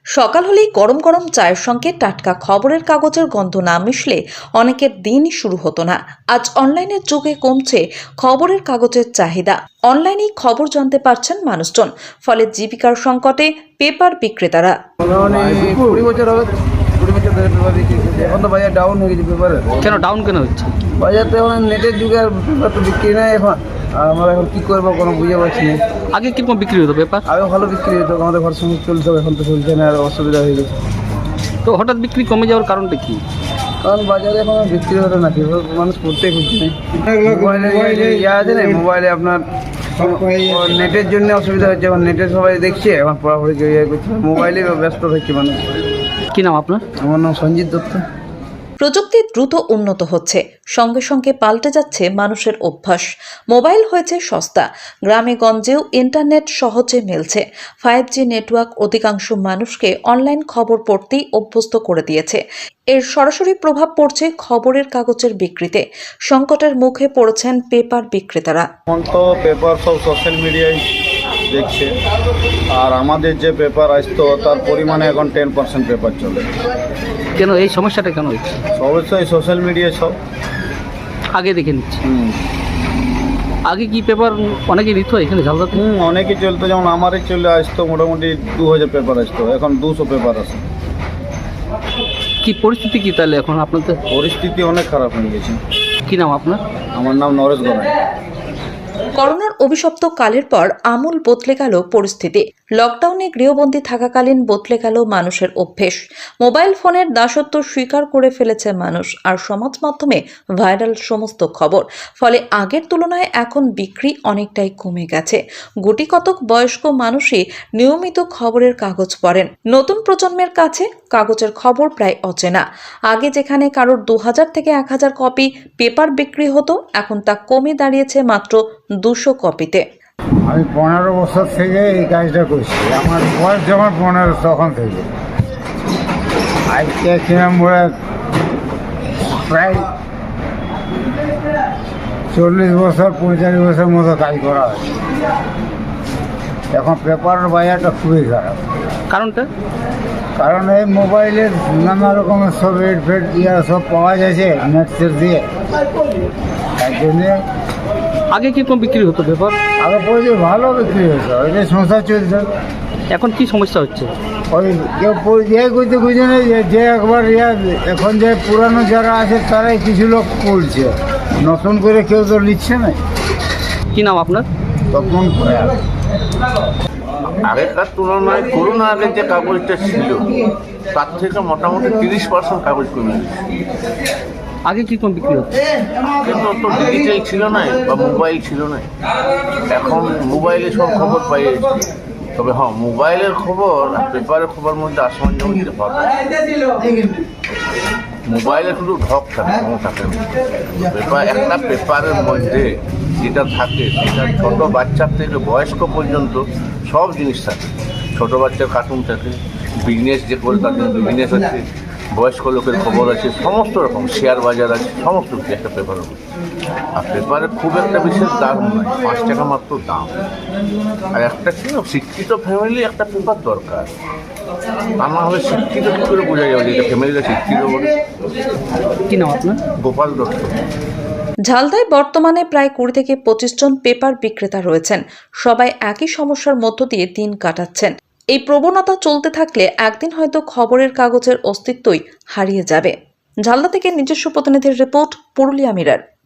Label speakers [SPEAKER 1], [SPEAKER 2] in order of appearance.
[SPEAKER 1] সকাল হলেই গরম গরম চায়ের সঙ্গে টাটকা খবরের কাগজের গন্ধ না মিশলে অনেকের দিনই শুরু হতো না। আজ অনলাইনের যুগে কমছে খবরের কাগজের চাহিদা। অনলাইনেই খবর জানতে পারছেন মানুষজন, ফলে জীবিকার সংকটে পেপার বিক্রেতারা।
[SPEAKER 2] এখন তো বাজার ডাউন হয়ে গেছে পেপারের।
[SPEAKER 3] কেন ডাউন কেন হচ্ছে?
[SPEAKER 2] বাজারতে এখন নেটের যুগে আর পেপার তো বিক্রি নেই এখন। আর আমরা এখন কী করবো কোনো বুঝে পাচ্ছি না।
[SPEAKER 3] আগে কিরকম বিক্রি হতো পেপার?
[SPEAKER 2] আগে ভালো বিক্রি হতো, আমাদের ঘর সঙ্গে চলতো, এখন তো চলছে না, আর অসুবিধা হয়ে গেছে।
[SPEAKER 3] তো হঠাৎ বিক্রি কমে যাওয়ার কারণটা কি?
[SPEAKER 2] কারণ বাজারে এখন আর বিক্রি হতো না, পেপার মানুষ পড়তেই খুঁজছে না। মোবাইলে ইয়ে আছে না, মোবাইলে আপনার নেটের জন্য অসুবিধা হচ্ছে। এখন নেটে সবাই দেখছে, এখন পড়াপড়ি কেউ ইয়ে করছে, মোবাইলে ব্যস্ত থাকছে মানুষ।
[SPEAKER 3] কি নাম আপনার?
[SPEAKER 2] আমার নাম সঞ্জিত দত্ত।
[SPEAKER 1] প্রযুক্তি দ্রুত উন্নত হচ্ছে, সঙ্গে সঙ্গে পাল্টে যাচ্ছে মানুষের অভ্যাস। মোবাইল হয়েছে সস্তা, গ্রামে গঞ্জেও ইন্টারনেট সহজে মিলছে। 5G নেটওয়ার্ক অধিকাংশ মানুষকে অনলাইন খবর পড়তেই অভ্যস্ত করে দিয়েছে। এর সরাসরি প্রভাব পড়ছে খবরের কাগজের বিক্রিতে। সংকটের মুখে পড়েছেন পেপার বিক্রেতারা।
[SPEAKER 4] এখন তো পেপার সব সোশ্যাল মিডিয়ায় দেখছে, আর আমাদের যে পেপার আসতো তার পরিমাণে এখন 10% পেপার চলে।
[SPEAKER 3] কেন এই সমস্যাটা কেন হচ্ছে?
[SPEAKER 4] অবশ্যই সোশ্যাল মিডিয়ায় সব
[SPEAKER 3] আগে দেখে নিচ্ছি। আগে কি পেপার অনেকে নিত এখানে ঝালদাতে?
[SPEAKER 4] অনেকই চলতো, যেমন আমারই চলে আসতো মোটামুটি 2000 পেপার আসতো, এখন 200 পেপার আসে।
[SPEAKER 3] কি পরিস্থিতি কি তাহলে এখন আপনাদের?
[SPEAKER 4] পরিস্থিতি অনেক খারাপ হয়ে গেছে।
[SPEAKER 3] কি নাম আপনার?
[SPEAKER 4] আমার নাম নরেশ গড়াই।
[SPEAKER 1] করোনার অভিশপ্ত কালের পর আমূল বদলে গেল পরিস্থিতি। লকডাউনে গৃহবন্দী থাকাকালীন বদলে গেল মানুষের অভ্যেস। মোবাইল ফোনের দাসত্ব স্বীকার করে ফেলেছে মানুষ, আর সমাজ মাধ্যমে ভাইরাল সমস্ত খবর। ফলে আগের তুলনায় এখন বিক্রি অনেকটাই কমে গেছে। গুটি কতক বয়স্ক মানুষই নিয়মিত খবরের কাগজ পড়েন। নতুন প্রজন্মের কাছে কাগজের খবর প্রায় অচেনা। আগে যেখানে কারোর 2000 থেকে 1000 কপি পেপার বিক্রি হতো, এখন তা কমে দাঁড়িয়েছে মাত্র 200 কপিতে।
[SPEAKER 5] আমি 15 বছর থেকে এই কাজটা করছি। আমার বয়স যখন 15 তখন থেকে আজকে কিরমপুরে প্রায় 40 বছর 45 বছর মতো কাজ করা হয়েছে। এখন পেপারের বাজারটা খুবই খারাপ।
[SPEAKER 3] কারণটা?
[SPEAKER 5] কারণ এই মোবাইলের নানা রকমের সব রেট ফেট ইয়া সব পাওয়া যাচ্ছে নেট সেট দিয়ে, তার জন্যে
[SPEAKER 3] আগে কিরকম বিক্রি হতো পেপার?
[SPEAKER 5] আগে পড়ে ভালো বিক্রি হতো, ওইটাই সংসার চলছে।
[SPEAKER 3] এখন কি সমস্যা হচ্ছে?
[SPEAKER 5] ওই কেউ ইয়ে করতে খুঁজে নেই, যে একবার এখন যে পুরানো যারা আছে তারাই কিছু লোক পড়ছে, নতুন করে কেউ তো লিখছে না।
[SPEAKER 3] কি নাম আপনার?
[SPEAKER 5] তখন
[SPEAKER 6] আগেকার তুলনায় করোনা আগের যে কাগজটা ছিল তার থেকে মোটামুটি 30% কাগজ কমে গেছে।
[SPEAKER 3] আগে কিরকম বিক্রি হতো?
[SPEAKER 6] কিন্তু তো ডিজিটাল ছিল না বা মোবাইল ছিল না। এখন মোবাইলে সব খবর পাই যাচ্ছে। তবে হ্যাঁ, মোবাইলের খবর আর পেপারের খবর মধ্যে আসমান জমিন তফাৎ। মোবাইলে শুধু ঢক থাকে, কোনো থাকে না। একটা পেপারের মধ্যে যেটা থাকে সেটা ছোটো বাচ্চার থেকে বয়স্ক পর্যন্ত সব জিনিস থাকে। ছোটো বাচ্চার কার্টুন থাকে, বিজনেস যে করে তার জন্য বিজনেস আছে, বয়স্ক লোকের খবর আছে, সমস্ত রকম শেয়ার বাজার আছে, সমস্ত কিছু একটা পেপারের মধ্যে। আর পেপারে খুব একটা বিশেষ দাম নয়, 5 টাকা মাত্র দাম। আর একটা কি শিক্ষিত ফ্যামিলি একটা পেপার দরকার, তা না হলে শিক্ষিত কী করে বোঝা যাবে যে ফ্যামিলিটা শিক্ষিত বলে।
[SPEAKER 3] কি নাম আপনার?
[SPEAKER 6] গোপাল দত্ত।
[SPEAKER 1] ঝালদায় বর্তমানে প্রায় 20 থেকে 25 জন পেপার বিক্রেতা রয়েছেন। সবাই একই সমস্যার মধ্য দিয়ে দিন কাটাচ্ছেন। এই প্রবণতা চলতে থাকলে একদিন হয়তো খবরের কাগজের অস্তিত্বই হারিয়ে যাবে। ঝালদা থেকে নিজস্ব প্রতিনিধির রিপোর্ট, পুরুলিয়া মিরর।